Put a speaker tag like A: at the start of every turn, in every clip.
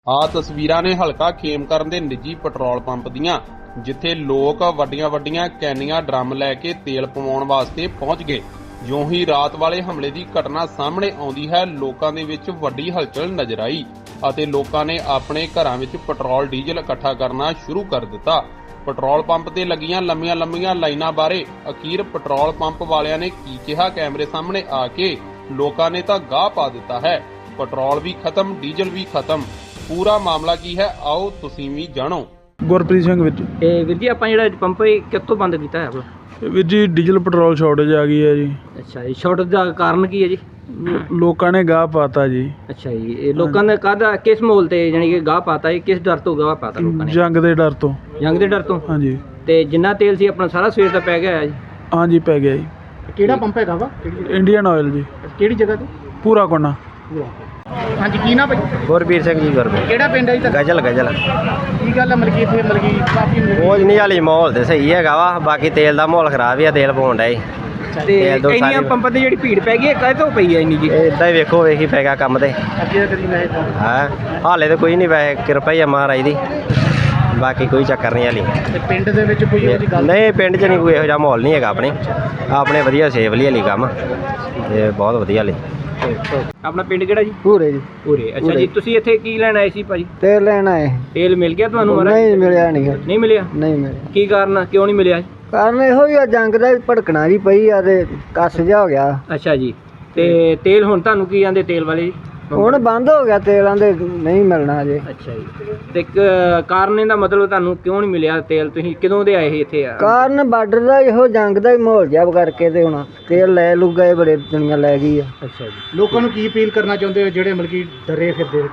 A: ਆ ਤਸਵੀਰਾਂ ਨੇ ਹਲਕਾ ਖੇਮਕਰਨ ਦੇ ਨਿੱਜੀ ਪੈਟਰੋਲ ਪੰਪ ਦੀਆਂ, ਜਿੱਥੇ ਲੋਕ ਵੱਡੀਆਂ ਕੈਨੀਆਂ ਡਰਮ ਲੈ ਕੇ ਤੇਲ ਪਵਾਉਣ ਵਾਸਤੇ ਪਹੁੰਚ ਗਏ। ਜਿਉਂ ਹੀ ਰਾਤ ਵਾਲੇ ਹਮਲੇ ਦੀ ਘਟਨਾ ਸਾਹਮਣੇ ਆਉਂਦੀ ਹੈ, ਲੋਕਾਂ ਦੇ ਵਿੱਚ ਵੱਡੀ ਹਲਚਲ ਨਜ਼ਰ ਆਈ ਅਤੇ ਲੋਕਾਂ ਨੇ ਆਪਣੇ ਘਰਾਂ ਵਿੱਚ ਪੈਟਰੋਲ ਡੀਜ਼ਲ ਇਕੱਠਾ ਕਰਨਾ ਸ਼ੁਰੂ ਕਰ ਦਿੱਤਾ। ਪੈਟਰੋਲ ਪੰਪ ਤੇ ਲੱਗੀਆਂ ਲੰਮੀਆਂ ਲਾਈਨਾਂ ਬਾਰੇ ਅਖੀਰ ਪੈਟਰੋਲ ਪੰਪ ਵਾਲਿਆਂ ਨੇ ਕੀ ਕਿਹਾ, ਕੈਮਰੇ ਸਾਹਮਣੇ ਆ ਕੇ ਲੋਕਾਂ ਨੇ ਤਾਂ ਗਾਹ ਪਾ ਦਿੱਤਾ ਹੈ। ਪੈਟਰੋਲ ਵੀ ਖਤਮ, ਡੀਜ਼ਲ ਵੀ ਖਤਮ। ਪੂਰਾ ਮਾਮਲਾ ਕੀ ਹੈ, ਆਓ ਤੁਸੀਂ ਵੀ ਜਾਣੋ।
B: ਗੁਰਪ੍ਰੀਤ ਸਿੰਘ ਵੀਰ ਜੀ।
C: ਇਹ ਵੀਰ ਜੀ ਆਪਾਂ ਜਿਹੜਾ ਪੰਪ ਇਹ ਕਿੱਥੋਂ ਬੰਦ ਕੀਤਾ ਹੈ ਆਪਣਾ?
B: ਵੀਰ ਜੀ ਡੀਜ਼ਲ ਪੈਟਰੋਲ ਸ਼ਾਰਟੇਜ ਆ ਗਈ ਹੈ ਜੀ।
C: ਅੱਛਾ ਜੀ, ਸ਼ਾਰਟ ਦਾ ਕਾਰਨ ਕੀ ਹੈ ਜੀ?
B: ਲੋਕਾਂ ਨੇ ਗਾਹ ਪਾਤਾ ਜੀ।
C: ਅੱਛਾ ਜੀ, ਇਹ ਲੋਕਾਂ ਨੇ ਕਾਹਦਾ ਕਿਸ ਮੋਲ ਤੇ ਜਾਨੀ ਕਿ ਗਾਹ ਪਾਤਾ, ਇਹ ਕਿਸ ਡਰ ਤੋਂ ਗਾਹ ਪਾਤਾ ਲੋਕਾਂ ਨੇ?
B: ਜੰਗ ਦੇ ਡਰ ਤੋਂ।
C: ਜੰਗ ਦੇ ਡਰ ਤੋਂ?
B: ਹਾਂਜੀ।
C: ਤੇ ਜਿੰਨਾ ਤੇਲ ਸੀ ਆਪਣਾ ਸਾਰਾ ਸਵੇਰ ਦਾ ਪੈ ਗਿਆ ਹੈ ਜੀ?
B: ਹਾਂਜੀ ਪੈ ਗਿਆ ਜੀ।
C: ਕਿਹੜਾ ਪੰਪ ਹੈਗਾ ਵਾ?
B: ਇੰਡੀਅਨ ਆਇਲ ਜੀ।
C: ਕਿਹੜੀ ਜਗ੍ਹਾ ਤੇ?
B: ਪੂਰਾ ਕੋਨਾ।
C: ਹਾਂਜੀ, ਕੀ ਨਾ ਭਾਈ?
D: ਗੁਰਬੀਰ ਸਿੰਘ ਜੀ। ਗੁਰਬੀਰ
C: ਕਿਹੜਾ ਪਿੰਡ ਹੈ ਜੀ?
D: ਗਜਲ
C: ਕੀ ਗੱਲ ਹੈ ਮਲਕੀ ਇੱਥੇ ਕਾਫੀ
D: ਕੁਝ ਨਹੀਂ, ਹਾਲੀ ਮਾਹੌਲ ਤੇ ਸਹੀ ਹੈਗਾ ਵਾ, ਬਾਕੀ ਤੇਲ ਦਾ ਮਾਹੌਲ ਖਰਾਬ ਹੀ ਆ, ਤੇਲ ਪਾਉਣ ਡਏ।
C: ਤੇ ਇੰਨੀਆਂ ਪੰਪਾਂ ਤੇ ਜਿਹੜੀ ਭੀੜ ਪੈ ਗਈ ਹੈ, ਕਾਹਦੇ ਤੋਂ ਪਈ ਹੈ ਇੰਨੀ ਜੀ?
D: ਇਦਾਂ ਹੀ ਵੇਖੀ ਪੈ ਗਿਆ ਕੰਮ ਤੇ।
C: ਅੱਗੇ ਕਦੀ ਮੈਂ
D: ਹਾਂ, ਹਾਲੇ ਤਾਂ ਕੋਈ ਨਹੀਂ, ਵੈਸੇ ਕਿਰਪਾ ਹੀ ਆ ਮਹਾਰਾਜ ਦੀ, ਬਾਕੀ ਕੋਈ ਚੱਕਰ ਨਹੀਂ ਹਾਲੀ।
C: ਤੇ ਪਿੰਡ ਦੇ ਵਿੱਚ ਕੋਈ ਇਹੋ ਜਿਹੀ ਗੱਲ
D: ਨਹੀਂ, ਪਿੰਡ 'ਚ ਨਹੀਂ ਕੋਈ ਇਹੋ ਜਿਹਾ ਮਾਹੌਲ ਨਹੀਂ ਹੈਗਾ ਆਪਣੇ ਵਧੀਆ ਸੇਫਲੀ ਹਾਲੀ ਕੰਮ, ਤੇ ਬਹੁਤ ਵਧੀਆ ਹਾਲੀ।
C: ਆਪਣਾ ਪਿੰਡ ਕਿਹੜਾ ਜੀ?
E: ਪੂਰੇ ਜੀ।
C: ਪੂਰੇ। ਅੱਛਾ ਜੀ, ਤੁਸੀਂ ਇੱਥੇ ਕੀ ਲੈਣ ਆਏ ਸੀ ਭਾਜੀ?
E: ਤੇਲ ਲੈਣਾ ਹੈ।
C: ਤੇਲ ਮਿਲ ਗਿਆ ਤੁਹਾਨੂੰ ਮਹਾਰਾਜ?
E: ਨਹੀਂ ਮਿਲਿਆ ਨਹੀਂ
C: ਮਿਲਿਆ?
E: ਨਹੀਂ ਮਿਲਿਆ।
C: ਕੀ ਕਾਰਨ, ਕਿਉਂ ਨਹੀਂ ਮਿਲਿਆ?
E: ਕਾਰਨ ਇਹੋ ਹੀ ਆ, ਜੰਗ ਦਾ ਭੜਕਣਾ ਜੀ ਪਈ ਆ ਤੇ ਕੱਸ ਜਾ ਹੋ ਗਿਆ।
C: ਅੱਛਾ ਜੀ, ਤੇ ਤੇਲ ਹੁਣ ਤੁਹਾਨੂੰ ਕੀ ਆਂਦੇ ਤੇਲ ਵਾਲੇ ਜੀ?
E: ਹੁਣ ਬੰਦ ਹੋ ਗਿਆ ਤੇਲਾਂ ਦੇ, ਨਹੀਂ ਮਿਲਣਾ ਅਜੇ।
C: ਅੱਛਾ ਜੀ, ਤੇ ਕਾਰਨ ਇਹਦਾ ਮਤਲਬ ਤੁਹਾਨੂੰ ਕਿਉਂ ਨਹੀਂ ਮਿਲਿਆ ਤੇਲ? ਤੁਸੀਂ ਕਦੋਂ ਦੇ ਆਏ ਸੀ ਇੱਥੇ?
E: ਕਾਰਨ ਬਾਰਡਰ ਦਾ ਇਹੋ ਜੰਗ ਦਾ ਹੀ ਮਾਹੌਲ ਜਿਹਾ ਕਰਕੇ ਤੇ ਹੁਣ ਤੇਲ ਲੈ ਲੂ ਗਏ, ਬੜੇ ਦੁਨੀਆ ਲੈ ਗਈ ਆ।
C: ਅੱਛਾ ਜੀ, ਲੋਕਾਂ ਨੂੰ ਕੀ ਅਪੀਲ ਕਰਨਾ ਚਾਹੁੰਦੇ ਹੋ ਜਿਹੜੇ ਮਤਲਬ ਕਿ ਡਰੇ ਫਿਰਦੇ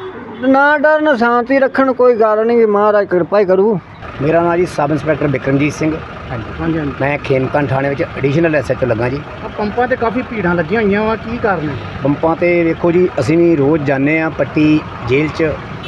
E: ਨਾ ਡਰਨ, ਸ਼ਾਂਤੀ ਰੱਖਣ, ਕੋਈ ਗੱਲ ਨਹੀਂ, ਮਹਾਰਾਜ ਕਿਰਪਾ ਹੀ ਕਰੂ।
F: ਮੇਰਾ ਨਾਮ ਜੀ ਸਬ ਇੰਸਪੈਕਟਰ ਬਿਕਰਮਜੀਤ ਸਿੰਘ।
C: ਹਾਂਜੀ।
F: ਮੈਂ ਖੇਮਕਰਨ ਥਾਣੇ ਵਿੱਚ ਐਡੀਸ਼ਨਲ ਐਸਐਚਓ ਲੱਗਾ ਜੀ।
C: ਪੰਪਾਂ ਤੇ ਕਾਫੀ ਭੀੜਾਂ ਲੱਗੀਆਂ ਹੋਈਆਂ ਵਾ, ਕੀ ਕਾਰਨ ਹੈ?
F: ਪੰਪਾਂ ਤੇ ਵੇਖੋ ਜੀ, ਅਸੀਂ ਵੀ ਰੋਜ਼ ਜਾਂਦੇ ਆ ਪੱਟੀ ਜੇਲ੍ਹ 'ਚ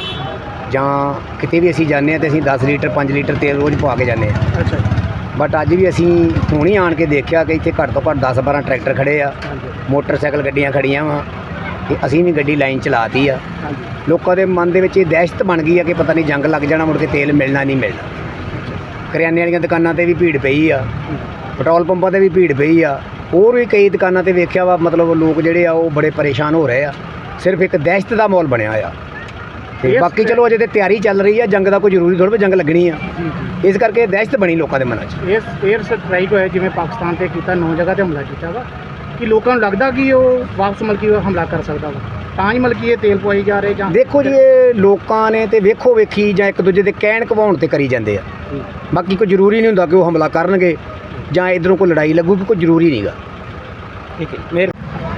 F: ਜਾਂ ਕਿਤੇ ਵੀ ਅਸੀਂ ਜਾਂਦੇ ਆ ਤੇ ਅਸੀਂ 10 ਲੀਟਰ 5 ਲੀਟਰ ਤੇਲ ਰੋਜ਼ ਪਵਾ ਕੇ ਜਾਂਦੇ ਆ।
C: ਅੱਛਾ ਜੀ।
F: ਬਟ ਅੱਜ ਵੀ ਅਸੀਂ ਹੁਣੀ ਆਣ ਕੇ ਦੇਖਿਆ ਕਿ ਇੱਥੇ ਘੱਟ ਤੋਂ ਘੱਟ 10-12 ਟਰੈਕਟਰ ਖੜੇ ਆ, ਮੋਟਰਸਾਈਕਲ ਗੱਡੀਆਂ ਖੜੀਆਂ ਵਾ, ਤੇ ਅਸੀਂ ਵੀ ਗੱਡੀ ਲਾਈਨ ਚਲਾਤੀ ਆ। ਲੋਕਾਂ ਦੇ ਮਨ ਦੇ ਵਿੱਚ ਇਹ ਦਹਿਸ਼ਤ ਬਣ ਗਈ ਆ ਕਿ ਪਤਾ ਨਹੀਂ ਜੰਗ ਲੱਗ ਜਾਣਾ, ਮੁੜ ਕੇ ਤੇਲ ਮਿਲਣਾ ਨਹੀਂ ਮਿਲਣਾ। ਕਰਿਆਨੇ ਵਾਲੀਆਂ ਦੁਕਾਨਾਂ ਤੇ ਵੀ ਭੀੜ ਪਈ ਆ, ਪੈਟਰੋਲ ਪੰਪਾਂ ਤੇ ਵੀ ਭੀੜ ਪਈ ਆ, ਹੋਰ ਵੀ ਕਈ ਦੁਕਾਨਾਂ ਤੇ ਵੇਖਿਆ ਵਾ, ਮਤਲਬ ਲੋਕ ਜਿਹੜੇ ਆ ਉਹ ਬੜੇ ਪਰੇਸ਼ਾਨ ਹੋ ਰਹੇ ਆ। ਸਿਰਫ ਇੱਕ ਦਹਿਸ਼ਤ ਦਾ ਮਾਹੌਲ ਬਣਿਆ ਆ। ਤੇ ਬਾਕੀ ਚਲੋ ਅਜੇ ਤੇ ਤਿਆਰੀ ਚੱਲ ਰਹੀ ਆ, ਜੰਗ ਦਾ ਕੋਈ ਜ਼ਰੂਰੀ ਥੋੜ੍ਹਾ ਵੀ ਜੰਗ ਲੱਗਣੀ ਆ, ਇਸ ਕਰਕੇ ਦਹਿਸ਼ਤ ਬਣੀ ਲੋਕਾਂ ਦੇ ਮਨਾਂ 'ਚ।
C: 에ਅਰ ਸਟ੍ਰਾਈਕ ਹੋਇਆ ਜਿਵੇਂ ਪਾਕਿਸਤਾਨ ਤੇ ਕੀਤਾ, 9 ਜਗ੍ਹਾ ਤੇ ਹਮਲਾ ਕੀਤਾ ਵਾ, ਕਿ ਲੋਕਾਂ ਨੂੰ ਲੱਗਦਾ ਕਿ ਉਹ ਵਾਪਸ ਮਲਕੀ ਹਮਲਾ ਕਰ ਸਕਦਾ ਵਾ, ਤਾਂ ਹੀ ਮਲਕੀ ਇਹ ਤੇਲ ਪਵਾਈ ਜਾ ਰਹੇ? ਜਾਂ
F: ਦੇਖੋ ਜੀ, ਇਹ ਲੋਕਾਂ ਨੇ ਤੇ ਵੇਖੋ ਵੇਖੀ ਜਾਂ ਇੱਕ ਦੂਜੇ ਦੇ ਕਹਿਣ ਕਵਾਉਣ ਤੇ ਕਰੀ ਜਾਂਦੇ ਆ, ਬਾਕੀ ਕੋਈ ਜ਼ਰੂਰੀ ਨਹੀਂ ਹੁੰਦਾ ਕਿ ਉਹ ਹਮਲਾ ਕਰਨਗੇ ਜਾਂ ਇੱਧਰੋਂ ਕੋਈ ਲੜਾਈ ਲੱਗੂਗੀ, ਕੋਈ ਜ਼ਰੂਰੀ ਨਹੀਂਗਾ।
C: ਠੀਕ ਹੈ।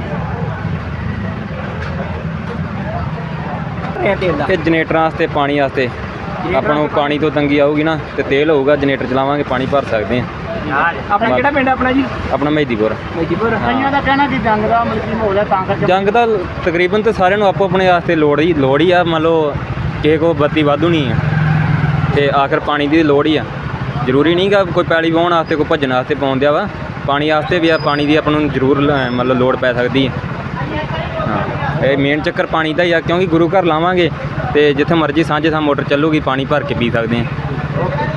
G: ਤੇ ਜਨਰੇਟਰਾਂ ਵਾਸਤੇ, ਪਾਣੀ ਵਾਸਤੇ, ਆਪਾਂ ਨੂੰ ਪਾਣੀ ਤੋਂ ਤੰਗੀ ਆਊਗੀ ਨਾ, ਤੇ ਤੇਲ ਹੋਊਗਾ, ਜਨਰੇਟਰ ਚਲਾਵਾਂਗੇ, ਪਾਣੀ ਭਰ ਸਕਦੇ ਹਾਂ।
C: ਆਪਣਾ ਕਿਹੜਾ ਪਿੰਡ ਆਪਣਾ ਜੀ?
G: ਆਪਣਾ ਮਹਿਦੀਪੁਰ।
C: ਕਈਆਂ ਦਾ ਕਹਿਣਾ ਕਿ ਜੰਗ ਦਾ ਮਲਕੀ ਮਾਹੌਲ ਹੈ ਤਾਂ ਕਰਕੇ।
G: ਜੰਗ ਦਾ ਤਕਰੀਬਨ ਤੇ ਸਾਰਿਆਂ ਨੂੰ ਆਪੋ ਆਪਣੇ ਵਾਸਤੇ ਲੋੜ ਹੀ ਆ। ਮੰਨ ਲਓ ਕਿਸੇ ਕੋ ਬੱਤੀ ਵਾਧੂ ਨਹੀਂ ਆ ਤੇ ਆਖਰ ਪਾਣੀ ਦੀ ਲੋੜ ਹੀ ਆ। ਜ਼ਰੂਰੀ ਨਹੀਂ ਗਾ ਕੋਈ ਪੈਲੀ ਵਾਹੁਣ ਵਾਸਤੇ, ਕੋਈ ਭੱਜਣ ਵਾਸਤੇ ਪਾਉਣ ਦਿਆ ਵਾ, ਪਾਣੀ ਵਾਸਤੇ ਵੀ ਆ। ਪਾਣੀ ਦੀ ਆਪਾਂ ਨੂੰ ਜ਼ਰੂਰ ਮਤਲਬ ਲੋੜ ਪੈ ਸਕਦੀ ਹੈ। ਹਾਂ, ਇਹ ਮੇਨ ਚੱਕਰ ਪਾਣੀ ਦਾ ਹੀ ਆ, ਕਿਉਂਕਿ ਗੁਰੂ ਘਰ ਲਾਵਾਂਗੇ ਤੇ ਜਿੱਥੇ ਮਰਜ਼ੀ ਸਾਂਝੇ ਥਾਂ ਮੋਟਰ ਚੱਲੂਗੀ, ਪਾਣੀ ਭਰ ਕੇ ਪੀ ਸਕਦੇ ਹਾਂ।